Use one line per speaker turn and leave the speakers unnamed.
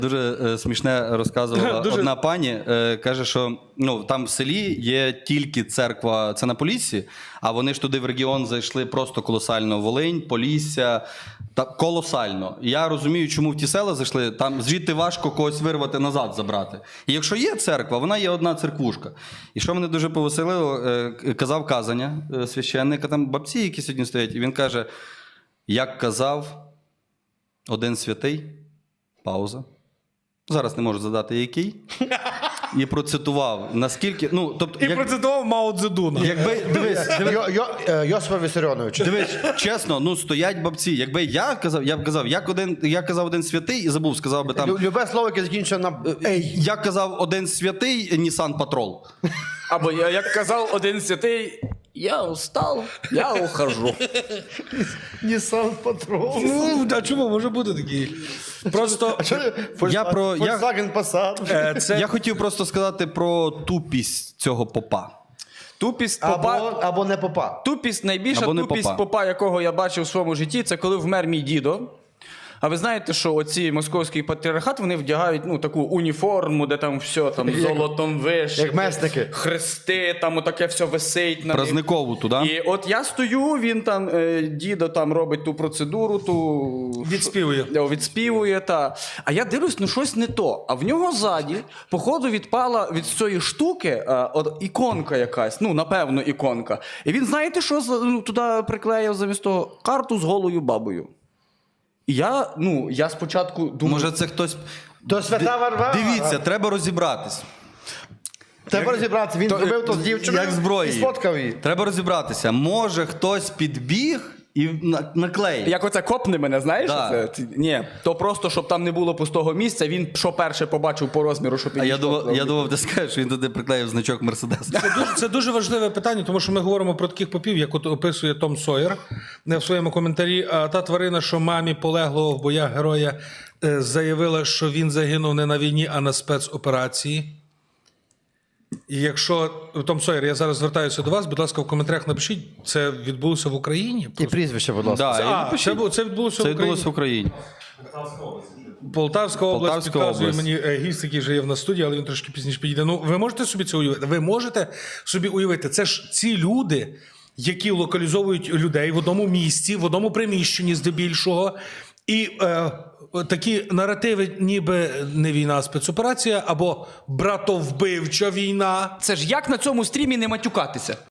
Дуже смішне розказувала одна пані. Каже, що там в селі є тільки церква, це на Поліссі, а вони ж туди в регіон зайшли просто колосально. Волинь, Полісся, колосально. Я розумію, чому в ті села зайшли, там звідти важко когось вирвати назад, забрати. І якщо є церква, вона є одна церквушка. І що мене дуже повеселило, казав казання священника, там бабці, які сьогодні стоять, і він каже, як казав один святий, пауза. Зараз не можу задати який. І процитував, наскільки...
процитував Мао Цзедуна.
Йосифа Вісаріоновича. Дивись, чесно, стоять бабці. Якби я казав, як казав один святий, і забув, сказав би там...
Любе слово, яке закінчує на «ей».
Як казав один святий, Нісан Патрол.
Або як казав один святий, я устал, я ухожу.
Нісан Патрол.
А чому? Може бути такий. Просто...
Volkswagen Passat.
Я хотів просто сказати про тупість цього попа.
Тупість попа...
Або не попа.
Тупість, найбільша
Або не
тупість попа, якого я бачив у своєму житті, це коли вмер мій дідо. А ви знаєте, що оці московський патріархат, вони вдягають таку уніформу, де там все там золотом вишите.
Як месники.
Хрести, там отаке все висить.
Празникову туди.
І от я стою, він там, дідо там робить ту процедуру, відспівує, та. А я дивлюсь, щось не то. А в нього ззаді, походу, відпала від цієї штуки іконка якась, напевно, іконка. І він, знаєте, що туди приклеїв замість того? Карту з голою бабою. І я спочатку думаю...
Може це хтось...
То свята Варвара.
Дивіться, треба розібратись.
Треба розібратися. Він зробив то з дівчиною
Як зброї.
і сфоткав її.
Треба розібратися. Може хтось підбіг і наклеїв.
Як оце копне мене, знаєш?
Да.
Ні, то просто, щоб там не було пустого місця, він що перше побачив по розміру, щоб він...
А я думав, ти скажеш, що він туди приклеїв значок Мерседес.
Це дуже важливе питання, тому що ми говоримо про таких попів, як от описує Том Сойер в своєму коментарі. Та тварина, що мамі полеглого в боях героя заявила, що він загинув не на війні, а на спецоперації. І якщо, Том Сойер, я зараз звертаюся до вас, будь ласка, в коментарях напишіть, це відбулося в Україні?
І прізвище, будь ласка.
Це відбулося
в Україні.
Полтавська область підказує мені гість, який вже є в нас в студії, але він трошки пізніше підійде. Ви можете собі це уявити? Ви можете собі уявити? Це ж ці люди, які локалізовують людей в одному місці, в одному приміщенні здебільшого, і такі наративи, ніби не війна, а спецоперація, або братовбивча війна.
Це ж як на цьому стрімі не матюкатися?